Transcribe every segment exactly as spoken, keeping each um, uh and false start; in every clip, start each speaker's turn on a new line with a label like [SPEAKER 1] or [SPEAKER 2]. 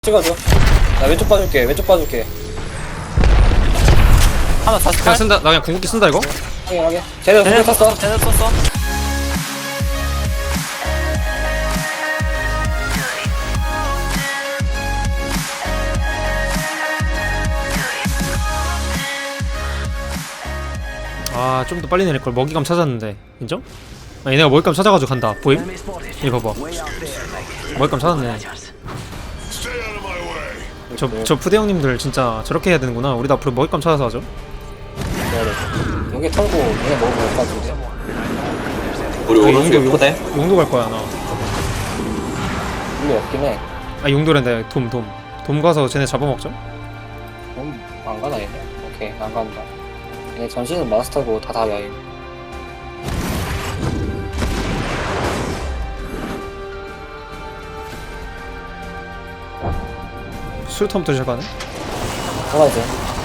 [SPEAKER 1] 찍어줘. 나 왼쪽 봐줄게. 왼쪽 봐줄게.
[SPEAKER 2] 하나 다시
[SPEAKER 3] 그냥 쓴다. 나 그냥 궁극기 쓴다 이거.
[SPEAKER 1] 확인 확인. 쟤네 두개 탔어.
[SPEAKER 2] 쟤네 썼어.
[SPEAKER 3] 아, 좀 더 빨리 내릴 걸. 먹이감 찾았는데. 인정? 아니, 내가 먹이감 찾아가지고 간다. 보임? 이거 봐봐. 먹이감 찾았네. 저, 저 푸대 형님들 진짜 저렇게 해야 되는구나. 우리도 앞으로 먹이감 찾아서 하죠.
[SPEAKER 1] 여기 털고 얘네 먹으면 될 것 같은데.
[SPEAKER 4] 우리
[SPEAKER 3] 아,
[SPEAKER 4] 오른쪽에
[SPEAKER 3] 용도,
[SPEAKER 4] 포대?
[SPEAKER 3] 용도 갈 거야, 나.
[SPEAKER 1] 물리 없긴 해.
[SPEAKER 3] 아, 용도랜데. 돔, 돔. 돔 가서 쟤네 잡아먹죠?
[SPEAKER 1] 음, 안 가나 얘네. 오케이 안 간다. 얘네 전신은 마스터고 다 다야.
[SPEAKER 3] 술텀부터 시작하네?
[SPEAKER 1] 가라 이제.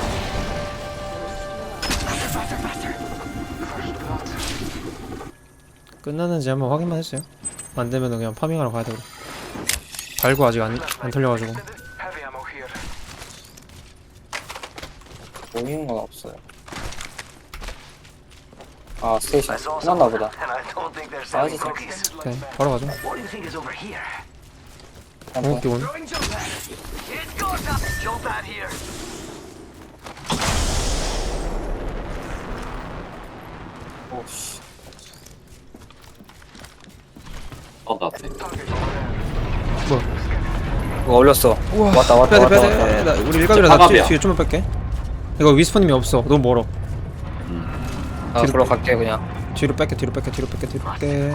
[SPEAKER 3] 끝났는지 한번 확인만 했어요. 안 되면은 그냥 파밍하러 가야 되고. 발고 아직 안, 안 털려가지고.
[SPEAKER 1] 보이는 건 없어요. 아 스테이션 끝났나 보다. 아 진짜.
[SPEAKER 3] 오케이, 바로 가죠. 궁극기 온.
[SPEAKER 1] 오씨.
[SPEAKER 4] 어, 나 앞에.
[SPEAKER 3] 뭐?
[SPEAKER 1] 이거 올렸어.
[SPEAKER 3] 우와,
[SPEAKER 1] 왔다 왔다
[SPEAKER 3] 빼야
[SPEAKER 1] 왔다.
[SPEAKER 3] 돼, 빼야
[SPEAKER 1] 왔다.
[SPEAKER 3] 돼. 나, 우리 일갑이라 나 뒤,
[SPEAKER 4] 사갑이야.
[SPEAKER 3] 뒤에 좀만 뺄게. 이거 위스퍼님이 없어. 너무 멀어.
[SPEAKER 1] 아
[SPEAKER 3] 뒤로
[SPEAKER 1] 그러 갈게 그냥.
[SPEAKER 3] 뒤로 뺄게, 뒤로 뺄게, 뒤로 뺄게, 뒤로 뺄게.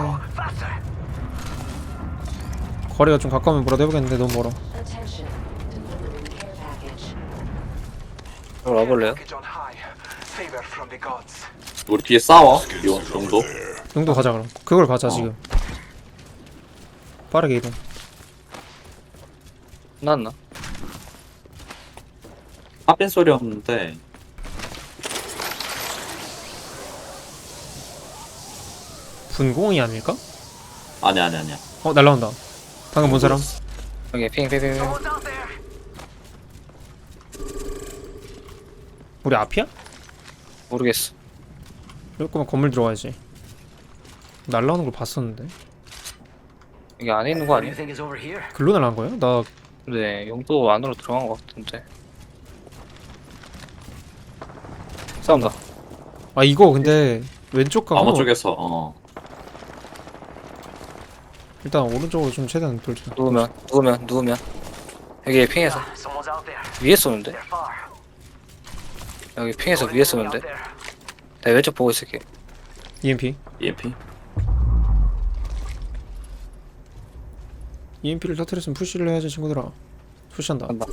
[SPEAKER 3] 거리가 좀 가까우면 뭐라도 해보겠는데 너무 멀어.
[SPEAKER 1] 이거 와볼래요?
[SPEAKER 4] 우리 뒤에 싸워. 용, 용도.
[SPEAKER 3] 용도 가자 그럼. 그걸 가자 지금. 빠르게 이동.
[SPEAKER 1] 끝났나?
[SPEAKER 4] 합빈 소리 없는데.
[SPEAKER 3] 분공이 아닐까?
[SPEAKER 4] 아니, 아니, 아니야.
[SPEAKER 3] 어, 날라온다. 방금 본 사람?
[SPEAKER 1] 여기 핑핑핑.
[SPEAKER 3] 우리 앞이야?
[SPEAKER 1] 모르겠어.
[SPEAKER 3] 이럴 거면 건물 들어가야지. 날라오는 걸 봤었는데.
[SPEAKER 1] 여기 안에 있는 거 아니야?
[SPEAKER 3] 글로 날라온 거야? 나
[SPEAKER 1] 네, 용도 안으로 들어간 것 같은데. 싸운다.
[SPEAKER 3] 아 이거 근데 왼쪽 가고
[SPEAKER 4] 암호 쪽에서, 어.
[SPEAKER 3] 일단 오른쪽으로 좀 최대한 돌자.
[SPEAKER 1] 누우면, 누우면, 누우면. 여기 핑에서. 위에 쏘는데? 여기 핑에서 위에 쏘는데? 내가 왼쪽 보고 있을게.
[SPEAKER 3] 이엠피.
[SPEAKER 4] 이엠피.
[SPEAKER 3] 이엠피를 터뜨렸으면 푸시를 해야지 친구들아. 푸시한다.
[SPEAKER 1] 간다.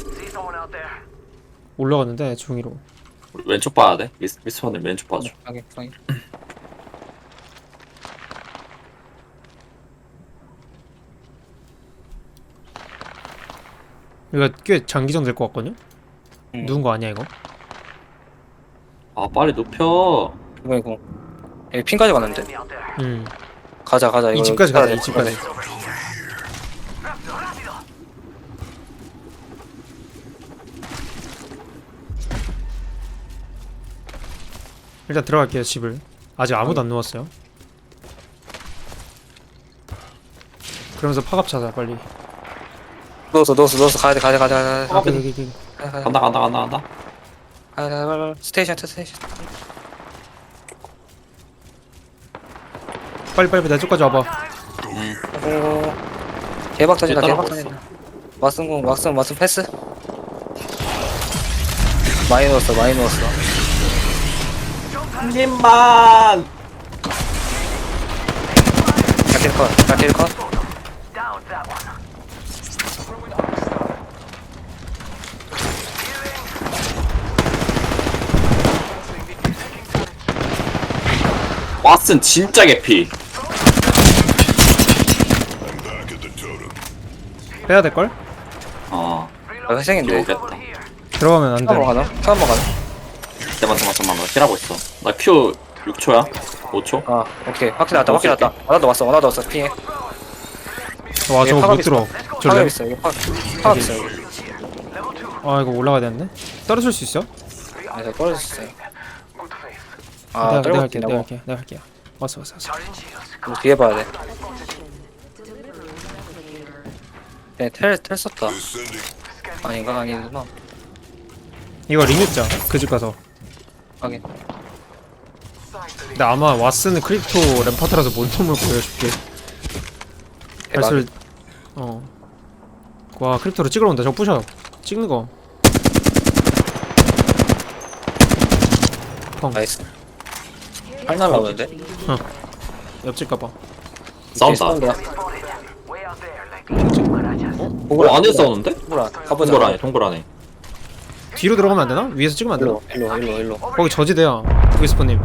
[SPEAKER 3] 올라갔는데 중위로.
[SPEAKER 4] 우리 왼쪽 봐야 돼. 미스, 미스퍼님 왼쪽 봐줘.
[SPEAKER 1] 확인, 확인.
[SPEAKER 3] 이거 꽤 장기전 될 것 같거든요?
[SPEAKER 1] 응.
[SPEAKER 3] 누군 거 아니야 이거?
[SPEAKER 4] 아, 빨리 눕혀.
[SPEAKER 1] 이번에 공. 여기 핑까지 갔는데?
[SPEAKER 3] 음.
[SPEAKER 1] 가자, 가자.
[SPEAKER 3] 이
[SPEAKER 1] 이거
[SPEAKER 3] 집까지
[SPEAKER 1] 가야
[SPEAKER 3] 가자.
[SPEAKER 1] 돼,
[SPEAKER 3] 이 집까지. 일단 들어갈게요 집을. 아직 아무도 안 누웠어요. 그러면서 파갑 찾아 빨리.
[SPEAKER 1] 넣었어, 넣었어, 넣었어. 가야 돼, 가야 돼, 가야 돼, 가야 돼.
[SPEAKER 4] 어,
[SPEAKER 3] 여기, 여기, 여기.
[SPEAKER 1] 가야 돼,
[SPEAKER 4] 간다, 간다, 간다, 간다.
[SPEAKER 1] 가야 돼, 가야 돼. 스테이션, 스테이션.
[SPEAKER 3] 빨리 빨리 내 쪽까지 와봐.
[SPEAKER 4] 응.
[SPEAKER 1] 오, 대박 터진다, 대박
[SPEAKER 4] 따라가고
[SPEAKER 1] 터진다. 왓슨, 왓슨, 왓슨 패스? 많이 넣었어, 많이 넣었어.
[SPEAKER 4] 한 입만!
[SPEAKER 1] 자킬 컷, 자킬 컷.
[SPEAKER 4] 왓슨 진짜 개피.
[SPEAKER 3] 빼야 될 걸?
[SPEAKER 4] 어.
[SPEAKER 1] 아, 회생인데.
[SPEAKER 4] 오겠다.
[SPEAKER 3] 들어가면 안
[SPEAKER 1] 처음
[SPEAKER 3] 돼.
[SPEAKER 1] 가나? 처음 가나?
[SPEAKER 4] 잠깐만, 잠깐만, 잠깐만. 나 킬하고 있어. 나 큐 육 초야? 오 초?
[SPEAKER 1] 아, 오케이. 확실히 났다, 확실히 났다. 하나도 왔어, 하나도 왔어. 피해.
[SPEAKER 3] 와
[SPEAKER 1] 여기
[SPEAKER 3] 저거
[SPEAKER 1] 파갑
[SPEAKER 3] 못 들어. 저
[SPEAKER 1] 파갑
[SPEAKER 3] 램,
[SPEAKER 1] 있어, 여기 파, 파갑 있어, 여기.
[SPEAKER 3] 아 이거 올라가야 되는데? 떨어질 수 있어?
[SPEAKER 1] 그래서 떨어졌어요. 아,
[SPEAKER 3] 내가, 내가
[SPEAKER 1] 떨어졌
[SPEAKER 3] 할게
[SPEAKER 1] 긴
[SPEAKER 3] 내가
[SPEAKER 1] 하
[SPEAKER 3] 할게 내가 할게 왔어 왔어 왔어
[SPEAKER 1] 고 뒤에 봐야 돼. 네, 텔, 텔 썼다. 아닌가? 아니구나.
[SPEAKER 3] 이거 리뮤자 그 집 가서
[SPEAKER 1] 확인.
[SPEAKER 3] 근데 아마 왓슨은 크립토 램파트라서 몸통을 보여줄게 발소리 어와 크립토로 찍으러 온다 저거 부셔 찍는 거 펑.
[SPEAKER 1] 나이스. 팔 날라오는데?
[SPEAKER 3] 옆집 가봐
[SPEAKER 4] 싸운다.
[SPEAKER 1] 보글
[SPEAKER 4] 어, 안에 싸우는데?
[SPEAKER 1] 보글 안. 가보자.
[SPEAKER 4] 동굴 안에, 동굴 안에.
[SPEAKER 3] 뒤로 들어가면 안 되나? 위에서 찍으면 안 되나?
[SPEAKER 1] 일로, 일로, 일로, 일로.
[SPEAKER 3] 거기 저지대야 위스퍼님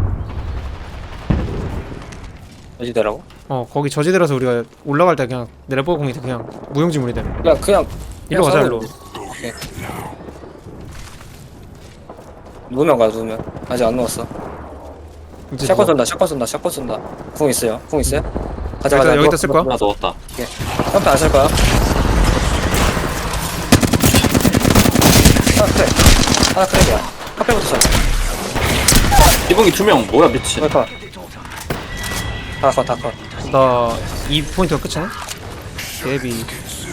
[SPEAKER 1] 어디더라고?
[SPEAKER 3] 어 거기 저지대라서 우리가 올라갈 때 그냥 내려보고 공이 돼 그냥 무용지물이 돼
[SPEAKER 1] 그냥, 그냥.
[SPEAKER 3] 일로 가자 일로
[SPEAKER 1] 오케이. 누우면 가, 누우면. 아직 안 누웠어.
[SPEAKER 3] 이제
[SPEAKER 1] 샷건
[SPEAKER 3] 누워.
[SPEAKER 1] 쏜다, 샷건 쏜다, 샷건 쏜다. 궁 있어요? 궁 있어요? 가자,
[SPEAKER 3] 여기다-
[SPEAKER 1] 가자.
[SPEAKER 3] 여기다
[SPEAKER 1] 누워,
[SPEAKER 3] 쓸
[SPEAKER 1] 누워,
[SPEAKER 3] 거야?
[SPEAKER 4] 하나
[SPEAKER 1] 누워.
[SPEAKER 4] 넣었다.
[SPEAKER 1] 점프 안 쓸 거야? 하나 크랙. 하나 크랙이야. 카페부터 쳐.
[SPEAKER 4] 이봉이 두 명, 뭐야, 미친.
[SPEAKER 1] 왜 컷? 다 컷, 다 컷.
[SPEAKER 3] 나 이 포인트가 끝이네? 데비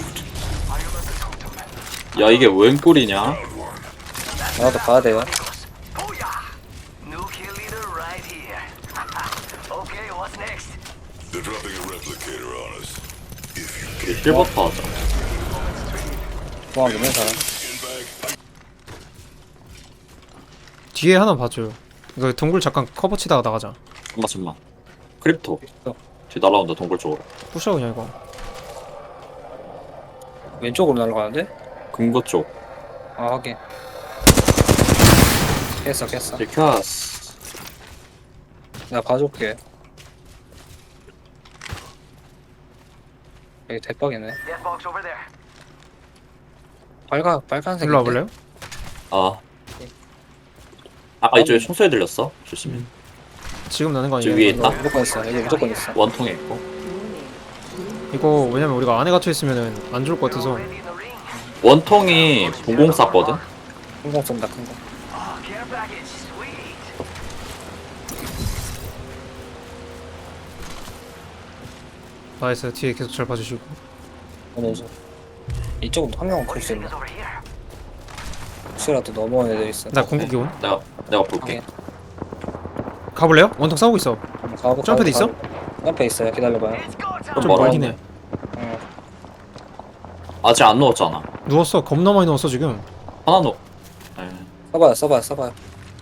[SPEAKER 4] 야, 이게 웬 꼴이냐?
[SPEAKER 1] 나도 가야 돼요.
[SPEAKER 2] New kill leader right here. Okay, what's next?
[SPEAKER 5] They're dropping a replicator on us.
[SPEAKER 4] 우리 힐버터 하자.
[SPEAKER 1] 공항 있는 사람.
[SPEAKER 3] 뒤에 하나 봐줘요 이거 동굴 잠깐 커버 치다가 나가자
[SPEAKER 4] 잠깐만, 잠깐만. 크립토.
[SPEAKER 1] 어.
[SPEAKER 4] 뒤 날라온다, 동굴 쪽으로.
[SPEAKER 3] 부셔 그냥 이거
[SPEAKER 1] 왼쪽으로 날아가는데?
[SPEAKER 4] 금고 쪽.
[SPEAKER 1] 아, 확인. 깼어, 깼어.
[SPEAKER 4] 리카스.
[SPEAKER 1] 내가 봐줄게. 여기 대박이네.
[SPEAKER 2] Death box over there.
[SPEAKER 1] 빨간, 빨간색.
[SPEAKER 3] 일로 와볼래요?
[SPEAKER 4] 아. 아까 이쪽에 총소리 들렸어? 조심히.
[SPEAKER 3] 지금 나는 거
[SPEAKER 4] 저
[SPEAKER 3] 아니야
[SPEAKER 4] 위에
[SPEAKER 3] 이거?
[SPEAKER 4] 있다?
[SPEAKER 1] 무조건 있어. 여기 무조건 있어.
[SPEAKER 4] 원통에 있고.
[SPEAKER 3] 이거 왜냐면 우리가 안에 갇혀있으면 안 좋을 것 같아서
[SPEAKER 2] Ready in the ring.
[SPEAKER 4] 원통이 공공 쌌거든?
[SPEAKER 1] 큰공 쏜다, 큰 공.
[SPEAKER 2] Oh, care package. Sweet.
[SPEAKER 3] 나이스 뒤에 계속 잘 봐주시고
[SPEAKER 1] 어느 중. 이쪽은 한 명은 클 수 있나?
[SPEAKER 2] Over here.
[SPEAKER 1] 혹시라도 넘어온 애들 있어.
[SPEAKER 3] 나 궁극기 온
[SPEAKER 4] 내가, 내가 볼게.
[SPEAKER 1] 확인.
[SPEAKER 3] 가볼래요? 원통 싸우고 있어
[SPEAKER 1] 한번 가보,
[SPEAKER 3] 점프대
[SPEAKER 1] 가보,
[SPEAKER 3] 있어?
[SPEAKER 1] 가보. 점프 있어요. 기다려봐요.
[SPEAKER 2] It's go time.
[SPEAKER 4] 좀
[SPEAKER 3] 좀 멀긴
[SPEAKER 4] 멀었네.
[SPEAKER 3] 해
[SPEAKER 1] 어.
[SPEAKER 4] 아직 안 넣었잖아.
[SPEAKER 3] 누웠어 겁나 많이 누웠어 지금
[SPEAKER 4] 하나 넣어. 에.
[SPEAKER 1] 써봐요, 써봐요, 써봐요.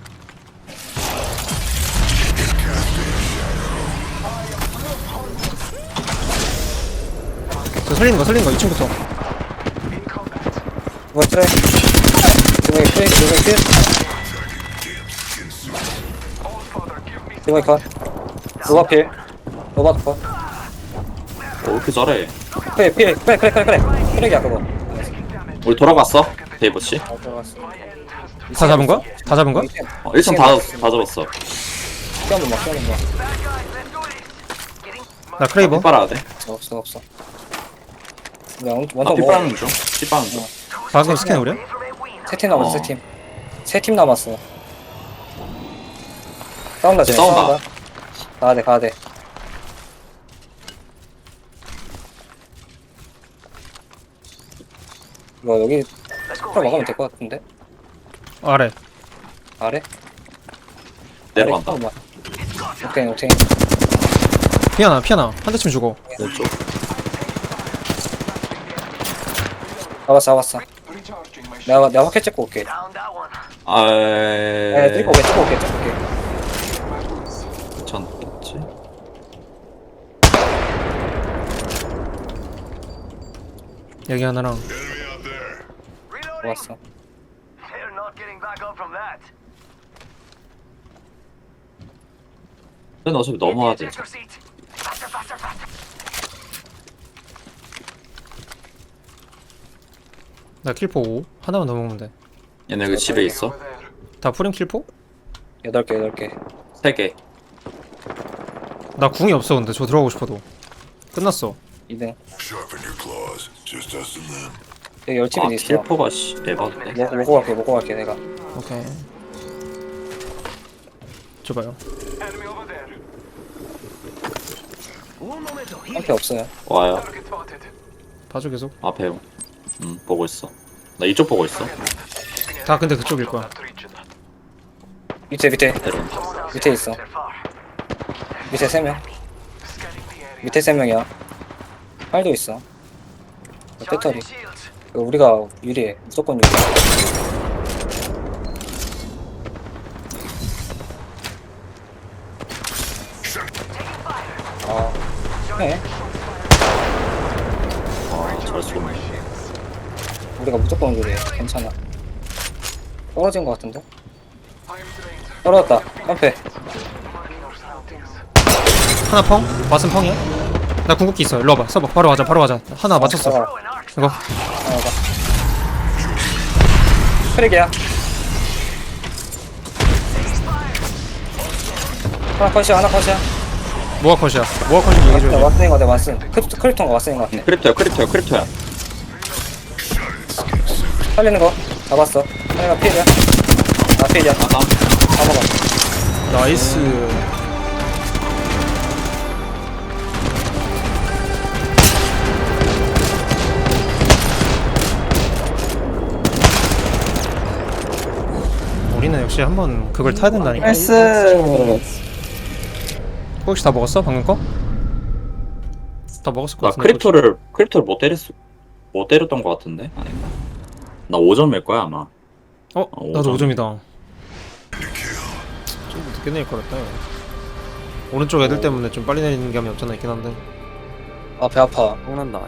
[SPEAKER 3] 저 살리는 거 살리는 거 이 층부터
[SPEAKER 1] 이거 트랙. 이거 트랙, 이거 트랙. 이거 컷. 로바 필. 로바 컷.
[SPEAKER 4] 어, 왜 이렇게 잘해?
[SPEAKER 1] 그래, 필, 그래, 그래, 그래, 그래. 트랙이야, 그거.
[SPEAKER 4] 우리 돌아갔어? 데이버씨?
[SPEAKER 1] 잘 들어갔어.
[SPEAKER 3] 다 잡은 거야? 다 잡은 거야?
[SPEAKER 4] 어, 일 층 다, 다 잡았어.
[SPEAKER 1] 시험은 막, 시험은 막.
[SPEAKER 3] 나 크레이버
[SPEAKER 4] 피 빨아야 돼.
[SPEAKER 1] 없어, 없어, 없어. 그냥
[SPEAKER 4] 나
[SPEAKER 1] 원통
[SPEAKER 4] 피
[SPEAKER 1] 뭐,
[SPEAKER 4] 빨는 중. 피 빨는 중.
[SPEAKER 3] 방금 스캔 우려?
[SPEAKER 1] 세팀 남았어,
[SPEAKER 4] 어.
[SPEAKER 1] 세 팀. 세 팀 남았어. 싸운다, 쟤.
[SPEAKER 4] 싸운다.
[SPEAKER 1] 싸운다. 가야 돼, 가야 돼. 이거 여기 풀어 먹으면 될 것 같은데?
[SPEAKER 3] 아래
[SPEAKER 1] 아래?
[SPEAKER 4] 내려간다.
[SPEAKER 1] 아래? 오케이, 오케이.
[SPEAKER 3] 피하나 피하나 한 대쯤 주고
[SPEAKER 4] 왼쪽.
[SPEAKER 1] 잡았어, 잡았어. 내가, 내가 확해 찍고 올게.
[SPEAKER 2] Down that one.
[SPEAKER 4] 아,
[SPEAKER 1] 네, 찍고 올게, 찍고 올게, 찍고 올게.
[SPEAKER 4] 괜찮겠지?
[SPEAKER 3] 여기 하나랑
[SPEAKER 2] Reloading.
[SPEAKER 1] 좋았어.
[SPEAKER 2] They're not getting back up from that.
[SPEAKER 4] 근데 어차피 넘어야 돼.
[SPEAKER 2] Ejector seat. Faster, faster, faster.
[SPEAKER 3] 나 킬포 오 하나만 더 먹으면 돼다
[SPEAKER 4] 얘네 그 집에 있어.
[SPEAKER 3] 프림 킬포?
[SPEAKER 1] 여덟 개, 여덟 개.
[SPEAKER 4] 세 개.
[SPEAKER 3] 나 궁이 없어 근데 저 들어가고 싶어도 끝났어
[SPEAKER 1] 이 등.
[SPEAKER 5] Sharpen your claws. Just us and them.
[SPEAKER 1] 여기 열집이
[SPEAKER 4] 아
[SPEAKER 1] 있어.
[SPEAKER 4] 킬포가 씨 에바인데.
[SPEAKER 1] 먹, 먹고 갈게 먹고 갈게 내가.
[SPEAKER 3] 오케이. 줘봐요.
[SPEAKER 2] Enemy over there. Un momento.
[SPEAKER 1] 한패 없어요.
[SPEAKER 4] 와요.
[SPEAKER 2] Target spotted.
[SPEAKER 3] 봐줘 계속.
[SPEAKER 4] 앞에. 음 보고 있어. 나 이쪽 보고 있어.
[SPEAKER 3] 다 근데 그쪽일 거야.
[SPEAKER 1] 밑에 밑에
[SPEAKER 4] 내려.
[SPEAKER 1] 밑에 있어.
[SPEAKER 2] They're far.
[SPEAKER 1] 밑에 세 명.
[SPEAKER 2] Scanning the area.
[SPEAKER 1] 밑에 세 명이야. 팔도 있어. 배터리.
[SPEAKER 2] Charging shields.
[SPEAKER 1] 이거 우리가 유리해. 무조건 유리해. 아, 네.
[SPEAKER 4] 아잘 쏘네.
[SPEAKER 1] 우리가 무조건 유리해. 괜찮아. 떨어진 것 같은데? 떨어졌다. 깜패.
[SPEAKER 2] Marking our surroundings.
[SPEAKER 3] 하나 펑? 왓슨 펑이야? 나 궁극기 있어. 일로 와봐. 써봐. 바로 가자. 바로 가자. 하나 맞췄어.
[SPEAKER 1] 아,
[SPEAKER 3] 이거.
[SPEAKER 1] 하나 봐. 크랙이야. 하나 컷이야. 하나 컷이야.
[SPEAKER 3] 뭐가 컷이야? 뭐가 컷인지 얘기해줘야 돼.
[SPEAKER 1] 왓슨인 것 같아. 왓슨. 크립토, 크립토인가 왓슨인 것 같아.
[SPEAKER 4] 크립토야 크립토야 크립토야.
[SPEAKER 1] 살리는 거 잡았어. 하나가 필이야. 아 필이야.
[SPEAKER 4] 아까
[SPEAKER 1] 다 먹어.
[SPEAKER 3] 나이스. 우리는 역시 한번 그걸 타야 된다니까.
[SPEAKER 1] 나이스.
[SPEAKER 3] 혹시 다 먹었어? 방금 거? 다 먹었을 것
[SPEAKER 4] 나
[SPEAKER 3] 같은데.
[SPEAKER 4] 크립토를 크립토를 못 때렸어. 못 때렸던 것 같은데 아닌가? 나 오 점일 거야 아마.
[SPEAKER 3] 어?
[SPEAKER 4] 어,
[SPEAKER 3] 나도
[SPEAKER 4] 오
[SPEAKER 3] 오
[SPEAKER 4] 점.
[SPEAKER 3] 점이다. 좀 늦게 내릴 거랬다. 이거. 오른쪽 애들 때문에 좀 빨리 내리는 감이 없잖아 있긴 한데.
[SPEAKER 1] 아 배 아파.
[SPEAKER 6] 뽕난다.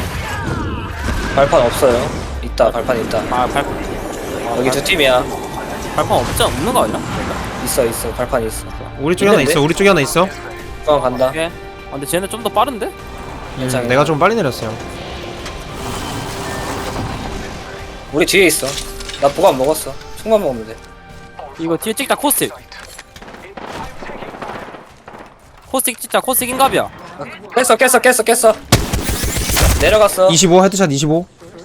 [SPEAKER 1] 발판 없어요. 있다. 발판 있다.
[SPEAKER 6] 아 발,
[SPEAKER 1] 여기 두 팀이야.
[SPEAKER 6] 발판 없지 없는 거 아니야?
[SPEAKER 1] 있어 있어. 발판 있어.
[SPEAKER 3] 우리 쪽에 하나
[SPEAKER 1] 있는데?
[SPEAKER 3] 있어. 우리 쪽에 하나 있어.
[SPEAKER 1] 그럼 간다.
[SPEAKER 6] 오케이. 아 근데 쟤네 좀 더 빠른데?
[SPEAKER 3] 음,
[SPEAKER 1] 괜찮아.
[SPEAKER 3] 내가 좀 빨리 내렸어요.
[SPEAKER 1] 우리 뒤에 있어. 나 보관 먹었어. 총만 먹으면 돼.
[SPEAKER 6] 이거 뒤에 찍자 코스틱. 코스틱 찍자 코스틱 인갑이야.
[SPEAKER 1] 깼어 깼어 깼어 깼어. 내려갔어.
[SPEAKER 3] 이십오 헤드샷 이십오.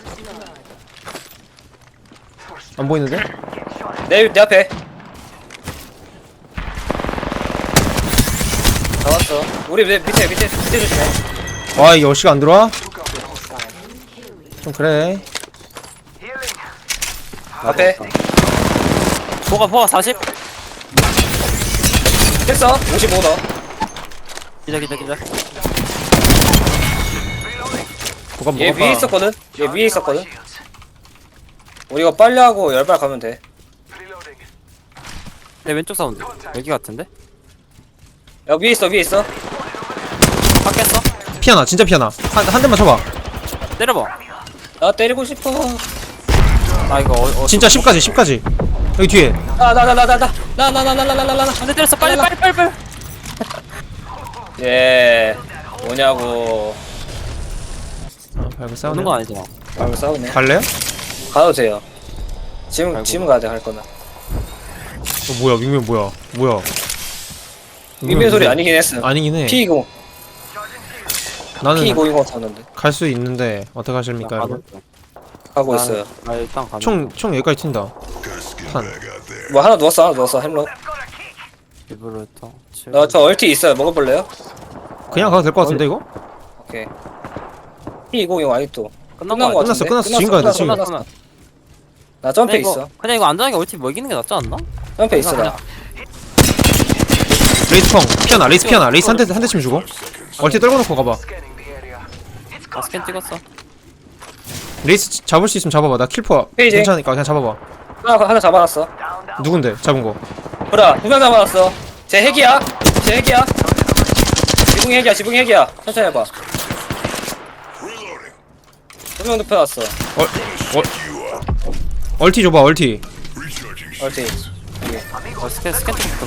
[SPEAKER 3] 안 보이는데?
[SPEAKER 1] 내, 내 앞에. 나왔어. 우리 밑에 밑에 밑에 밑에 조심해.
[SPEAKER 3] 와 이게 어시가 안 들어와? 좀 그래.
[SPEAKER 2] Healing.
[SPEAKER 1] 앞에.
[SPEAKER 6] 포가 포가 사십.
[SPEAKER 1] 깼어. 오십오 더.
[SPEAKER 6] 기자 기자 기자.
[SPEAKER 3] 뭐가
[SPEAKER 1] 얘
[SPEAKER 3] 뭐가
[SPEAKER 1] 위에 있었거든. 얘 위에 있었거든. 우리 이거 빨리 하고 열발 가면 돼.
[SPEAKER 2] Reloading.
[SPEAKER 6] 내 왼쪽 사운드. 여기 같은데?
[SPEAKER 1] 야 위에 있어 위에 있어.
[SPEAKER 6] 바뀌었어?
[SPEAKER 3] 피하나 진짜 피하나. 한, 한 대만 쳐봐.
[SPEAKER 6] 때려봐.
[SPEAKER 1] 나 때리고 싶어.
[SPEAKER 6] 아 이거 어, 어
[SPEAKER 3] 진짜 십까지 십까지. 여기 뒤에.
[SPEAKER 1] 나 나 나 나 나 나 나 나 나 나 나 나 나.
[SPEAKER 6] 안돼 때렸어 빨리 빨리 빨리 빨리.
[SPEAKER 1] 예. 뭐냐고.
[SPEAKER 3] 아 발그 싸우네.
[SPEAKER 6] 오는 거 아니잖아.
[SPEAKER 1] 말고 싸우네.
[SPEAKER 3] 갈래요?
[SPEAKER 1] 가도 돼요. 지금
[SPEAKER 6] 아이고.
[SPEAKER 1] 지금 가야 돼 할 거는.
[SPEAKER 3] 어, 뭐야 윙맨 뭐야 뭐야.
[SPEAKER 1] 위메 소리 아니긴 했어.
[SPEAKER 3] 아니긴 해.
[SPEAKER 1] 피 이십
[SPEAKER 3] 나는
[SPEAKER 1] 피 이십 탔는데
[SPEAKER 3] 갈 수 있는데 어떻게 하십니까 여러분?
[SPEAKER 1] 가고 있어요.
[SPEAKER 6] 아 일단 가자.
[SPEAKER 3] 총총 여기까지 튄다.
[SPEAKER 5] Guys, get
[SPEAKER 3] Fun.
[SPEAKER 5] back out there.
[SPEAKER 1] 뭐 하나 누웠어 하나 누웠어 햄로.
[SPEAKER 6] 일부러 했다.
[SPEAKER 1] 나 저 얼티 있어요. 먹어볼래요?
[SPEAKER 3] 그냥 가도 될 것 같은데 이거?
[SPEAKER 1] 오케이. 피 이십 아직도
[SPEAKER 6] 끝난
[SPEAKER 1] 끝난
[SPEAKER 6] 거
[SPEAKER 1] 거
[SPEAKER 6] 같아.
[SPEAKER 3] 끝났어,
[SPEAKER 1] 같은데?
[SPEAKER 3] 끝났어. 지금 가야 돼, 지금.
[SPEAKER 1] 끝났어, 끝났어. 나 점프
[SPEAKER 6] 그냥 이거
[SPEAKER 1] 있어.
[SPEAKER 6] 그냥 이거 안전하게 올팀 먹이는 게 낫지 않나?
[SPEAKER 1] 점프 있어 나.
[SPEAKER 3] 레이스 펑 피하나 레이스 피하나 레이스 한 대 한 대쯤 주고. 얼티 떨궈 놓고 가봐.
[SPEAKER 2] Scanning the area.
[SPEAKER 6] 아 스캔 찍었어.
[SPEAKER 3] 레이스 잡을 수 있으면 잡아봐. 나 킬포
[SPEAKER 1] 페이지.
[SPEAKER 3] 괜찮으니까 그냥 잡아봐.
[SPEAKER 1] 하나 하나 잡아놨어.
[SPEAKER 2] Down, down.
[SPEAKER 3] 누군데 잡은 거?
[SPEAKER 1] 보라 두 명 잡아놨어. 제 핵이야. 제 핵이야. 지붕이 핵이야. 지붕이 핵이야. 천천히 해봐.
[SPEAKER 5] Reloading.
[SPEAKER 1] 두 명 눕혀놨어.
[SPEAKER 3] 얼 얼 얼티 줘봐 얼티.
[SPEAKER 5] Recharging shields.
[SPEAKER 1] 얼티
[SPEAKER 6] 어 스캔 스캔 찍었어.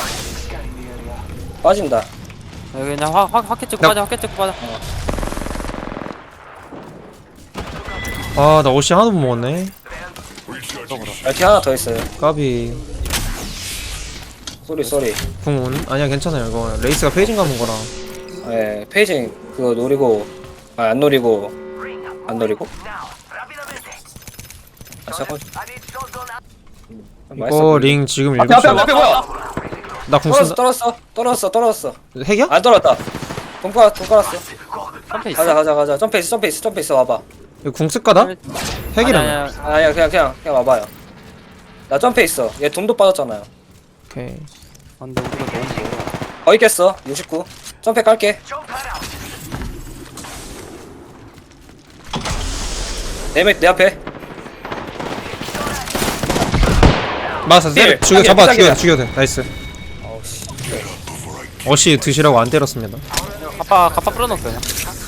[SPEAKER 1] 빠진다.
[SPEAKER 6] 여기 그냥 확확 확해 찍고
[SPEAKER 3] 나-
[SPEAKER 6] 빠져 확해 찍고 빠져.
[SPEAKER 3] 아 나 옷이 하나도 못 먹었네.
[SPEAKER 5] Recharging
[SPEAKER 1] 얼티 하나 더 있어요.
[SPEAKER 3] 까비.
[SPEAKER 1] 쏘리 쏘리.
[SPEAKER 3] 궁은 아니야 괜찮아요 이거 레이스가 페이징 감은 거라.
[SPEAKER 1] 예 페이징 그거 노리고 아 안 노리고 안 노리고
[SPEAKER 2] Now, rápidamente.
[SPEAKER 1] 아, 잠깐.
[SPEAKER 2] I need shotgun ammo.
[SPEAKER 3] 이거 링 지금
[SPEAKER 1] 앞에 앞에
[SPEAKER 3] 일곱
[SPEAKER 1] 앞에
[SPEAKER 3] 시
[SPEAKER 1] 뭐야?
[SPEAKER 3] 나궁
[SPEAKER 1] 떨었어
[SPEAKER 3] 쓴다
[SPEAKER 1] 떨었어 떨었어 떨었어.
[SPEAKER 3] 핵이야?
[SPEAKER 1] 안 떨었다. 돈 깔, 돈 깔았어.
[SPEAKER 6] 점프 있어?
[SPEAKER 1] 가자 가자 가자. 점프 있어 점프 있어 점프 있어 와봐.
[SPEAKER 3] 이거 궁 쓸까다? 핵이라며
[SPEAKER 6] 아니야, 아니야.
[SPEAKER 1] 아야 그냥 그냥 그냥 와봐요. 나 점프 있어. 얘 돈도 빠졌잖아요.
[SPEAKER 3] 오케이
[SPEAKER 6] 아, 근데 우리가 너무 멀어.
[SPEAKER 1] 거의 깼어. 육십구. 점프 깔게.
[SPEAKER 2] Jump pad out.
[SPEAKER 1] 내, 밑- 내 앞에.
[SPEAKER 3] 맞았어 때려
[SPEAKER 1] 힐,
[SPEAKER 3] 죽여
[SPEAKER 1] 딱이야,
[SPEAKER 3] 잡아
[SPEAKER 1] 딱이야.
[SPEAKER 3] 죽여 죽여도 돼 나이스
[SPEAKER 1] 어우 씨.
[SPEAKER 3] 어시 드시라고 안 때렸습니다
[SPEAKER 6] 가빠 가빠 뿌려놓을게 그냥.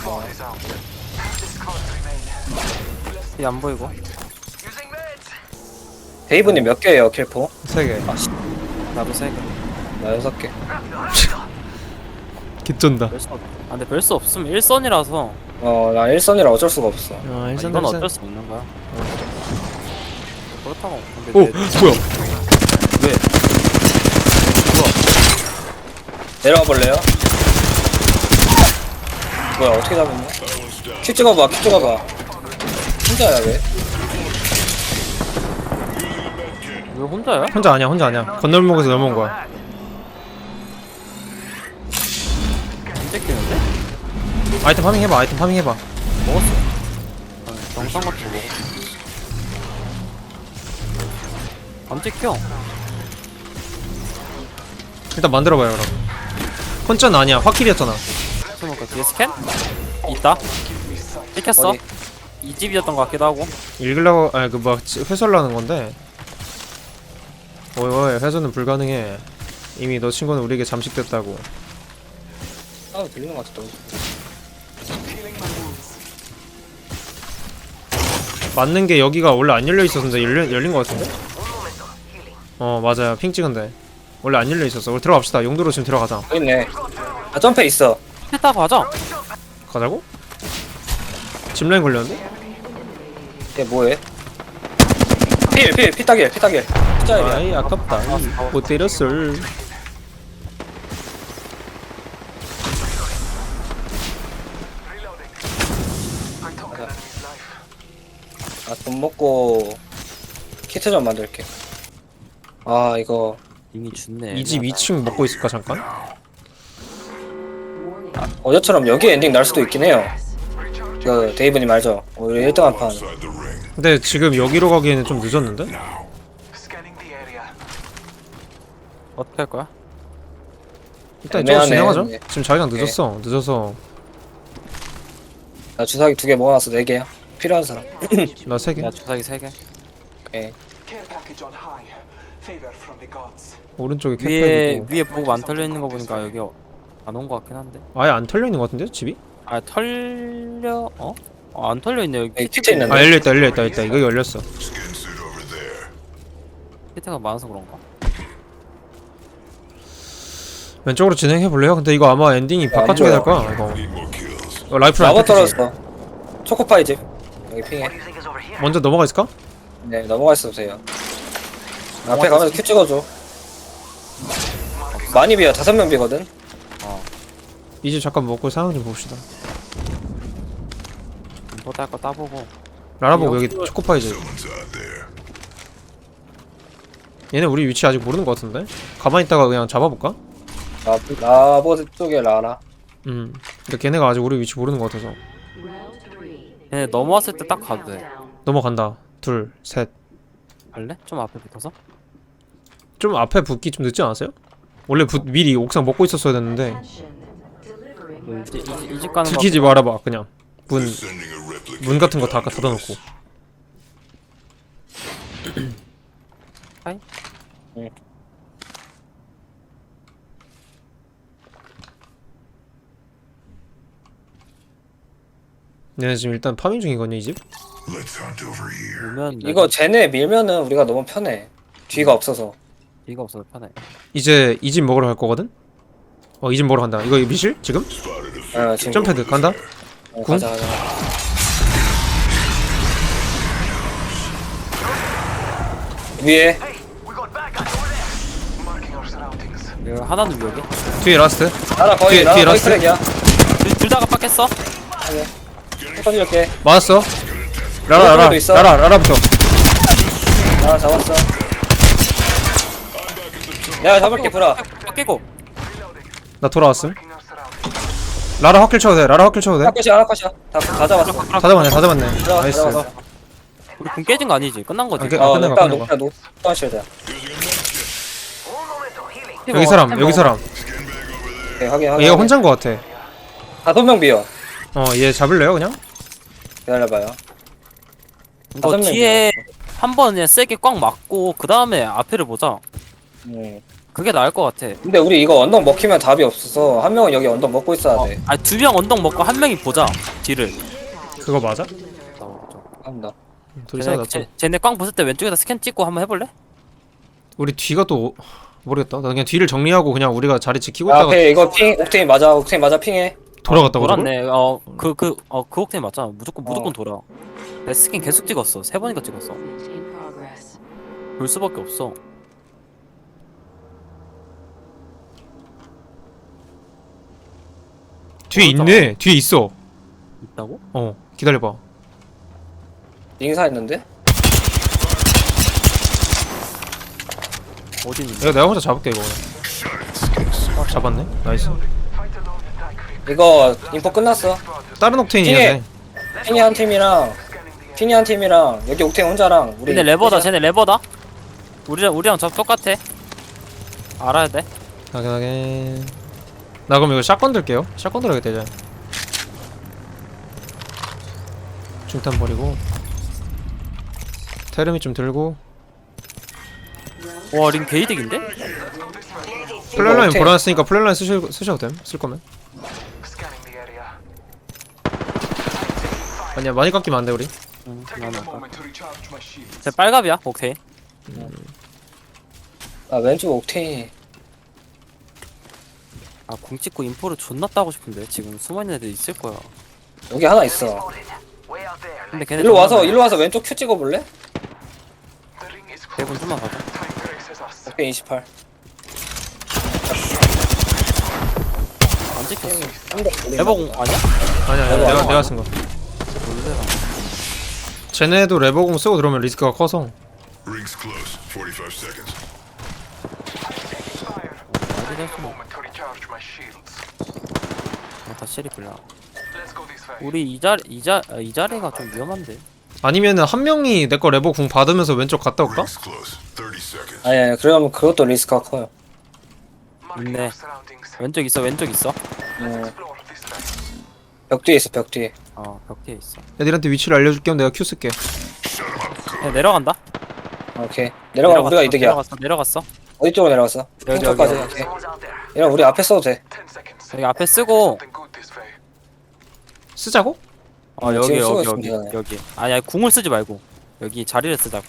[SPEAKER 6] 이안 보이고.
[SPEAKER 2] Using meds.
[SPEAKER 1] 데이브님 몇 개예요 킬포?
[SPEAKER 3] 세개
[SPEAKER 6] 나도 세 개.
[SPEAKER 1] 나 여섯 개.
[SPEAKER 3] 개쩐다
[SPEAKER 6] 별수 없. 아 근데 별수 없으면 일선이라서
[SPEAKER 1] 어나 일선이라 어쩔 수가 없어.
[SPEAKER 3] 아
[SPEAKER 6] 아,
[SPEAKER 3] 일선
[SPEAKER 6] 이건
[SPEAKER 3] 일선
[SPEAKER 6] 어쩔 수 없는 거야. 그렇다고. 근데
[SPEAKER 3] 오
[SPEAKER 6] 내-
[SPEAKER 3] 뭐야
[SPEAKER 6] 왜?
[SPEAKER 1] 내려가 볼래요? 뭐야 어떻게 잡았냐? 큐 찍어봐 큐 찍어봐. 혼자야 왜?
[SPEAKER 6] 왜 혼자야?
[SPEAKER 3] 혼자 아니야 혼자 아니야 건널목에서 넘어온 거야
[SPEAKER 6] 안 찍히는데?
[SPEAKER 3] 아이템 파밍 해봐 아이템 파밍 해봐
[SPEAKER 6] 먹었어. 아니, 영상 같은 거 먹었어. 안 찍혀.
[SPEAKER 3] 일단 만들어봐요 그럼 혼자는 아니야 확킬이었잖아
[SPEAKER 6] 그러니까 뒤에 스캔? 있다. 찍혔어.
[SPEAKER 1] 어디?
[SPEAKER 6] 이 집이었던 것 같기도 하고.
[SPEAKER 3] 읽으려고 아니 그뭐 회수하려는 건데 어이 어이 회수는 불가능해 이미 너 친구는 우리에게 잠식됐다고
[SPEAKER 1] 아 들리는 것 같아.
[SPEAKER 3] 맞는 게 여기가 원래 안 열려 있었는데 열려, 열린 것 같은데? 어 맞아요 핑 찍은데 원래 안 열려 있었어 우리 들어갑시다 용도로 지금 들어가자
[SPEAKER 1] 여기 있네. 아 점프 있어.
[SPEAKER 6] 했다 가자.
[SPEAKER 3] 가자고? 짚라인 걸렸는데?
[SPEAKER 1] 얘 뭐해? 필, 필, 피따길, 피따길. 피따길이야.
[SPEAKER 3] 아이 아깝다 못 때렸어
[SPEAKER 1] 아, 돈 먹고 키트 좀 만들게. 아, 이거
[SPEAKER 6] 이미 죽네.
[SPEAKER 3] 이 집 이 층 먹고 있을까 잠깐?
[SPEAKER 1] 어제처럼 여기 엔딩 날 수도 있긴 해요. 그 데이브님 알죠? 우리 일 등 한 판.
[SPEAKER 5] Outside the ring.
[SPEAKER 3] 근데 지금 여기로 가기에는 좀 늦었는데?
[SPEAKER 2] Scanning the area.
[SPEAKER 6] 어떻게 할 거야?
[SPEAKER 3] 일단 이쪽으로
[SPEAKER 1] 애매하네.
[SPEAKER 3] 진행하자
[SPEAKER 1] 네.
[SPEAKER 3] 지금 자기장 늦었어 늦어서
[SPEAKER 1] 나 주사기 두 개 모아놨어, 네 개야. 필요한 사람.
[SPEAKER 3] 나 세 개
[SPEAKER 6] 야 주사기 세 개.
[SPEAKER 1] 오케이.
[SPEAKER 2] Care package on high. Favor from the gods.
[SPEAKER 3] 오른쪽에
[SPEAKER 6] 위에
[SPEAKER 3] 캡팩이고
[SPEAKER 6] 위에 보고 안 털려 있는 거 보니까 여기 안 온 거 같긴 한데.
[SPEAKER 3] 아예 안 털려있는 것 같은데 집이?
[SPEAKER 6] 아 털려 어? 어, 안 털려 있네 여기.
[SPEAKER 1] 여기 키트 있는데.
[SPEAKER 3] 아 열려있다 열려있다 있다 이거 열렸어
[SPEAKER 5] Skin suit over there.
[SPEAKER 6] 히트가 많아서 그런가?
[SPEAKER 3] 왼쪽으로 진행해볼래요? 근데 이거 아마 엔딩이 바깥쪽에 될 거야 이거
[SPEAKER 5] Need more kills.
[SPEAKER 3] 이거 라이플 안
[SPEAKER 1] 마법
[SPEAKER 3] 탔지?
[SPEAKER 1] 떨어졌어. 초코파이 집. 여기 핑해.
[SPEAKER 3] 먼저 넘어가 있을까?
[SPEAKER 1] 네, 넘어가 있어도 돼요. 앞에 가면서 큐 찍어줘. 많이 비어, 다섯 명 비거든?
[SPEAKER 3] 이 집 잠깐 먹고 상황 좀 봅시다
[SPEAKER 6] 뭐 딸 거 따보고.
[SPEAKER 3] 라라보고 여기 초코파이지
[SPEAKER 5] Someone's out there.
[SPEAKER 3] 얘네 우리 위치 아직 모르는 것 같은데? 가만히 있다가 그냥 잡아볼까?
[SPEAKER 1] 라, 라보 쪽에 라라.
[SPEAKER 3] 음 근데 걔네가 아직 우리 위치 모르는 것 같아서
[SPEAKER 6] 얘네 넘어왔을 때 딱 가도 돼.
[SPEAKER 3] 넘어간다 둘셋
[SPEAKER 6] 갈래? 좀 앞에 붙어서?
[SPEAKER 3] 좀 앞에 붙기 좀 늦지 않았어요? 원래 붙, 미리 옥상 먹고 있었어야 됐는데
[SPEAKER 6] 이 집 가는 거.
[SPEAKER 3] 들키지 말아봐 그냥 문,
[SPEAKER 5] Sending a replica.
[SPEAKER 3] 문 같은 거 다 닫아놓고
[SPEAKER 6] 하이?
[SPEAKER 1] 응.
[SPEAKER 3] 얘네 지금 일단 파밍 중이거든요 이 집?
[SPEAKER 5] Let's hunt over here.
[SPEAKER 6] 밀면
[SPEAKER 1] 이거 쟤네 밀면은 우리가 너무 편해. 뒤가 없어서.
[SPEAKER 6] 뒤가 없어서 편해.
[SPEAKER 3] 이제 이 집 먹으러 갈 거거든? 어 이 집 먹으러 간다 이거 미실? 지금?
[SPEAKER 5] Spotted a
[SPEAKER 1] 어, 지금.
[SPEAKER 3] 점패드 간다?
[SPEAKER 1] 어,
[SPEAKER 3] 궁?
[SPEAKER 1] 가자, 가자. 위에.
[SPEAKER 2] Hey, we got bad guys over there. Marking our surroundings.
[SPEAKER 6] 이거 하나는 여기.
[SPEAKER 3] 뒤에 라스트
[SPEAKER 1] 나라 거의,
[SPEAKER 3] 뒤에-
[SPEAKER 1] 나라
[SPEAKER 3] 뒤에
[SPEAKER 1] 거의
[SPEAKER 3] 라스트?
[SPEAKER 1] 트랙이야.
[SPEAKER 6] 둘 다 깜빡했어?
[SPEAKER 1] 터질게.
[SPEAKER 3] 맞았어 라라 라라
[SPEAKER 1] 있어.
[SPEAKER 3] 라라 라라부터
[SPEAKER 1] 하나 잡았어. 내가 잡을게 브라.
[SPEAKER 6] 깨고.
[SPEAKER 3] 나 돌아왔음. 라라 확킬 쳐도 돼. 라라 확킬 쳐도 돼.
[SPEAKER 1] 하나 컷이야 하나 컷이야. 다, 다 잡았어.
[SPEAKER 3] 다 잡았네. 다 잡았네.
[SPEAKER 1] 들어갔어
[SPEAKER 3] 나이스.
[SPEAKER 1] 들어갔어.
[SPEAKER 6] 우리 군 깨진 거 아니지? 끝난 거지.
[SPEAKER 3] 아, 깨-
[SPEAKER 1] 어
[SPEAKER 3] 끝낸 거,
[SPEAKER 1] 일단
[SPEAKER 3] 끝낸 거.
[SPEAKER 1] 높다 높다 쉴드야.
[SPEAKER 3] 여기 사람. 여기 사람.
[SPEAKER 1] 오케이 확인 확인.
[SPEAKER 3] 얘가 혼자인 거 같아.
[SPEAKER 1] 다섯 명 비어.
[SPEAKER 3] 어, 얘 잡을래요, 그냥?
[SPEAKER 1] 기다려봐요.
[SPEAKER 6] 이거
[SPEAKER 1] 다섯 명
[SPEAKER 6] 뒤에 한 번 그냥 세게 꽉 맞고 그 다음에 앞에를 보자.
[SPEAKER 1] 음.
[SPEAKER 6] 그게 나을 것 같아.
[SPEAKER 1] 근데 우리 이거 언덕 먹히면 답이 없어서 한 명은 여기 언덕 먹고 있어야 돼.
[SPEAKER 6] 아니 두 명 언덕 먹고 한 명이 보자. 뒤를.
[SPEAKER 3] 그거 맞아?
[SPEAKER 1] 한다.
[SPEAKER 3] 둘이
[SPEAKER 6] 쟤네,
[SPEAKER 3] 싸우다.
[SPEAKER 6] 쟤, 쟤네 꽝 벗을 때 왼쪽에다 스캔 찍고 한번 해볼래?
[SPEAKER 3] 우리 뒤가 또 모르겠다. 나 그냥 뒤를 정리하고 그냥 우리가 자리 지키고
[SPEAKER 1] 아,
[SPEAKER 3] 있다가
[SPEAKER 1] 오케이 이거 핑 옥테인 맞아 옥테인 맞아 핑해.
[SPEAKER 3] 돌아갔다고 저걸?
[SPEAKER 6] 돌았네. 어그 그 어 그 옥테인 맞잖아. 무조건 무조건
[SPEAKER 1] 어.
[SPEAKER 6] 돌아. 내 스킨 계속 찍었어. 세 번인가 찍었어.
[SPEAKER 7] In progress.
[SPEAKER 6] 볼 수밖에 없어.
[SPEAKER 3] 뒤에 있네. 뒤에 있어.
[SPEAKER 6] 있다고?
[SPEAKER 3] 어, 기다려봐.
[SPEAKER 1] 인사했는데?
[SPEAKER 6] 어디 있는데?
[SPEAKER 3] 이거 내가 혼자 잡을게 이거. 그냥. 어, 잡았네. 나이스.
[SPEAKER 1] 이거 인포 끝났어.
[SPEAKER 3] 다른 옥테인이야 돼.
[SPEAKER 1] 핑이 한 팀이랑 핑이 한 팀이랑 여기 옥테인 혼자랑 우리.
[SPEAKER 6] 근데 레버다. 쟤네 레버다. 우리랑 우리랑 저 똑같아. 알아야 돼.
[SPEAKER 3] 확인하게. 나 그럼 이거 샷건 들게요. 샷건 들어야겠다 이제. 중탄 버리고. 테르미 좀 들고.
[SPEAKER 6] 와 링 게이득인데?
[SPEAKER 3] 플랫라인
[SPEAKER 1] 옥테인.
[SPEAKER 3] 보라놨으니까 플랫라인 쓰셔, 쓰셔도 됨. 쓸 거면.
[SPEAKER 2] Scanning the area.
[SPEAKER 3] 아니야 많이 깎이면 안 돼 우리.
[SPEAKER 6] 응.
[SPEAKER 2] Taking
[SPEAKER 6] 나는
[SPEAKER 2] a
[SPEAKER 6] 아까.
[SPEAKER 2] moment to recharge my shields.
[SPEAKER 6] 쟤 빨갑이야. 오케이.
[SPEAKER 1] 아 왼쪽 옥테인.
[SPEAKER 6] 아궁 찍고 인포를 존나 따고 싶은데 지금 숨어있는 애들 있을 거야.
[SPEAKER 1] 여기 하나 있어.
[SPEAKER 2] Way out there.
[SPEAKER 6] 근데 걔네
[SPEAKER 1] 일로 와서
[SPEAKER 6] 존나
[SPEAKER 1] 일로 와서 왼쪽 큐 찍어볼래?
[SPEAKER 2] The ring is
[SPEAKER 6] 대본
[SPEAKER 2] close.
[SPEAKER 6] 좀만 가자.
[SPEAKER 2] Time traces us.
[SPEAKER 1] 옥테인 이십팔.
[SPEAKER 6] 안 찍혔어.
[SPEAKER 1] 레버
[SPEAKER 6] 레버공 아니야?
[SPEAKER 3] 아니야 아니야
[SPEAKER 1] 레버
[SPEAKER 3] 내가
[SPEAKER 1] 안
[SPEAKER 3] 내가 쓴 거.
[SPEAKER 6] 놀래라.
[SPEAKER 3] 쟤네도 레버공 쓰고 들어오면 리스크가 커서.
[SPEAKER 5] Ring's close. forty-five seconds.
[SPEAKER 6] 어디 갈수
[SPEAKER 2] Moment to recharge my shields.
[SPEAKER 6] 다 시리 불러.
[SPEAKER 2] Let's go this way.
[SPEAKER 6] 우리 이 자리 이자 아, 이 자리가 좀 위험한데.
[SPEAKER 3] 아니면은 한 명이 내 거 레버 궁 받으면서 왼쪽 갔다 올까?
[SPEAKER 5] Ring's close. thirty seconds.
[SPEAKER 1] 아니 아니 그러면 그것도 리스크가 커요.
[SPEAKER 2] Marking
[SPEAKER 6] 있네.
[SPEAKER 2] our surroundings.
[SPEAKER 6] 왼쪽 있어. 왼쪽 있어.
[SPEAKER 1] 음,
[SPEAKER 2] Explore this way.
[SPEAKER 1] 벽 뒤에 있어 벽 뒤에.
[SPEAKER 6] 어 벽 뒤에 있어.
[SPEAKER 3] 애들한테 위치를 알려줄 겸 내가 큐 쓸게.
[SPEAKER 6] 야, 내려간다.
[SPEAKER 1] 오케이 내려가면 우리가 이득이야.
[SPEAKER 6] 내려갔어. 내려갔어.
[SPEAKER 1] 어디 쪽으로 내려갔어?
[SPEAKER 6] 여기,
[SPEAKER 1] 핑쪽까지.
[SPEAKER 6] 여기.
[SPEAKER 1] 오케이.
[SPEAKER 2] Someone's out there.
[SPEAKER 1] 이런 우리 앞에 써도 돼.
[SPEAKER 2] Ten seconds.
[SPEAKER 6] 여기 앞에 쓰고.
[SPEAKER 2] Something good this way.
[SPEAKER 3] 쓰자고?
[SPEAKER 6] 어 여기
[SPEAKER 1] 지금 쓰고
[SPEAKER 6] 여기 여기
[SPEAKER 1] 있습니다.
[SPEAKER 6] 여기. 아니 아니 궁을 쓰지 말고 여기 자리를 쓰자고.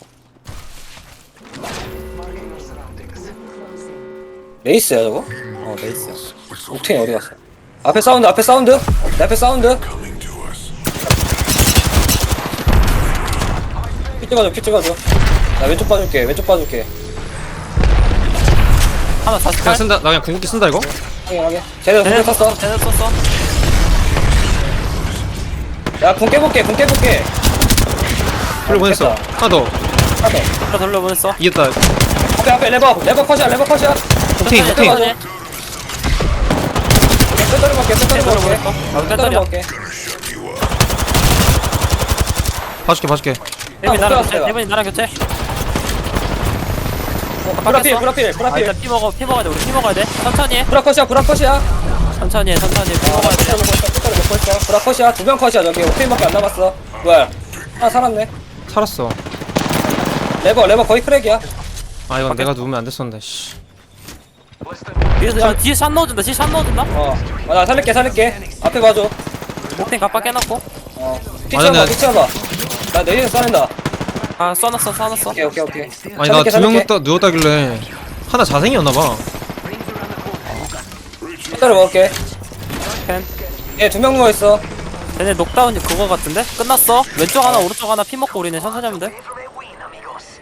[SPEAKER 2] Marking our surroundings.
[SPEAKER 1] 레이스야 저거?
[SPEAKER 6] 어 레이스야.
[SPEAKER 1] 옥테인 어디 갔어? 앞에 사운드 앞에 사운드. 내 앞에 사운드.
[SPEAKER 5] Coming to us.
[SPEAKER 1] 피 찍어줘 피 찍어줘. 나 왼쪽 봐줄게 왼쪽 봐줄게.
[SPEAKER 6] 하나
[SPEAKER 3] 그냥
[SPEAKER 6] 사십팔.
[SPEAKER 3] 쓴다. 나 그냥 궁극기 쓴다 이거.
[SPEAKER 1] 확인 확인. 쟤네
[SPEAKER 6] 쟤네
[SPEAKER 1] 궁 썼어.
[SPEAKER 6] 쟤네 썼어.
[SPEAKER 1] 야궁 깨볼게 궁 깨볼게.
[SPEAKER 3] 그리고 보냈어.
[SPEAKER 1] 됐다.
[SPEAKER 3] 하나 더.
[SPEAKER 1] 하나 더.
[SPEAKER 6] 하나 돌려보냈어.
[SPEAKER 3] 이겼다.
[SPEAKER 1] 앞에 앞에 레버 레버 컷이야 레버 컷이야.
[SPEAKER 3] 옥테인
[SPEAKER 6] 천천히,
[SPEAKER 3] 옥테인.
[SPEAKER 6] 천천히.
[SPEAKER 1] 뼈다리 먹게 뼈다리 먹게.
[SPEAKER 6] 돌려보냈어. 아,
[SPEAKER 1] 뼈다리
[SPEAKER 6] 뺐다리야.
[SPEAKER 1] 먹게.
[SPEAKER 5] Gonna shut you up.
[SPEAKER 3] 봐줄게 봐줄게.
[SPEAKER 6] 대빈
[SPEAKER 1] 아,
[SPEAKER 6] 나랑
[SPEAKER 1] 못
[SPEAKER 6] 교체.
[SPEAKER 1] 들어갔어,
[SPEAKER 6] 대빈이 나랑 교체.
[SPEAKER 1] 브라필 브라필
[SPEAKER 6] 아
[SPEAKER 1] 브라필.
[SPEAKER 6] 일단 피 먹어 피 먹어야 돼. 우리 피 먹어야 돼. 천천히 해.
[SPEAKER 1] 브라컷이야 브라컷이야.
[SPEAKER 6] 천천히 해. 천천히 피 먹어야 돼.
[SPEAKER 1] 먹고 있어 뼈다리 먹고 있어. 브라컷이야 두 명 컷이야 저기 옥테인밖에 안 남았어. 뭐야? 하나 살았네.
[SPEAKER 3] 살았어.
[SPEAKER 1] 레버 레버 거의 크랙이야.
[SPEAKER 3] 아 이건 내가 누우면 안 됐었는데. 씨.
[SPEAKER 6] 뒤에서 야, 뒤에 샷 넣어준다. 뒤에 샷 넣어준다.
[SPEAKER 1] 어. 어, 나 살릴게 살릴게. 앞에 봐줘.
[SPEAKER 6] 목탱 갑박 깨놓고.
[SPEAKER 1] 어. 피
[SPEAKER 3] 아니,
[SPEAKER 1] 치워봐
[SPEAKER 3] 나-
[SPEAKER 1] 피 치워봐. 나 내리는 쏴낸다.
[SPEAKER 6] 아 쏴놨어 쏴놨어.
[SPEAKER 1] 오케이 오케이 오케이.
[SPEAKER 3] 아니 나
[SPEAKER 1] 살릴게,
[SPEAKER 3] 두 명
[SPEAKER 1] 살릴게.
[SPEAKER 3] 누웠다 누웠다길래 하나 자생이었나봐.
[SPEAKER 1] 뼈다리 먹을게.
[SPEAKER 6] 캔.
[SPEAKER 1] 얘두 명 누워있어.
[SPEAKER 6] 쟤네 녹다운이 그거 같은데? 끝났어. 왼쪽 하나 오른쪽 하나 피 먹고 우리는 천천히 하면 돼.
[SPEAKER 2] Win, amigos.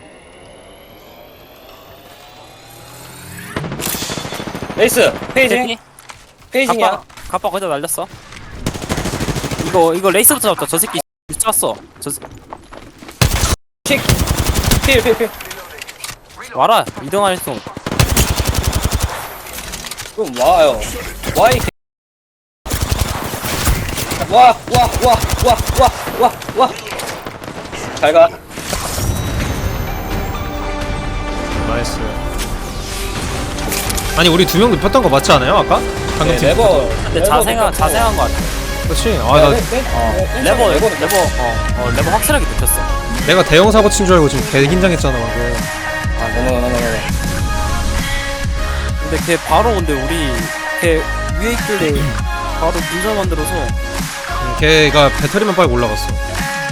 [SPEAKER 1] 레이스 페이징
[SPEAKER 6] 피.
[SPEAKER 1] 페이징이야.
[SPEAKER 6] 갑박 갑박 거기다 날렸어. 이거 이거 레이스부터 잡자. 저 새끼 미쳤어. 저 새-
[SPEAKER 1] 킥. 필, 필, 필.
[SPEAKER 6] 와라 이동할 수.
[SPEAKER 1] 좀 와요. 와, 이 개. 와, 와, 와, 와, 와, 와, 와. 잘 가.
[SPEAKER 3] 나이스. 아니 우리 두 명 눕혔던 거 맞지 않아요 아까? 방금
[SPEAKER 1] 네,
[SPEAKER 3] 팀
[SPEAKER 1] 레버.
[SPEAKER 6] 근데 자생한 자생한 거 같아.
[SPEAKER 3] 그렇지.
[SPEAKER 1] 네,
[SPEAKER 3] 아나
[SPEAKER 6] 레버 레버 레버 어, 어 레버 확실하게 눕혔어.
[SPEAKER 3] 내가 대형 사고 친 줄 알고 지금 개 긴장했잖아 방금.
[SPEAKER 1] 아, 너무, 너무, 너무.
[SPEAKER 6] 근데 걔 바로 근데 우리 걔 위에 있길래 바로 분절 만들어서
[SPEAKER 3] 걔가 배터리만 빨고 올라갔어.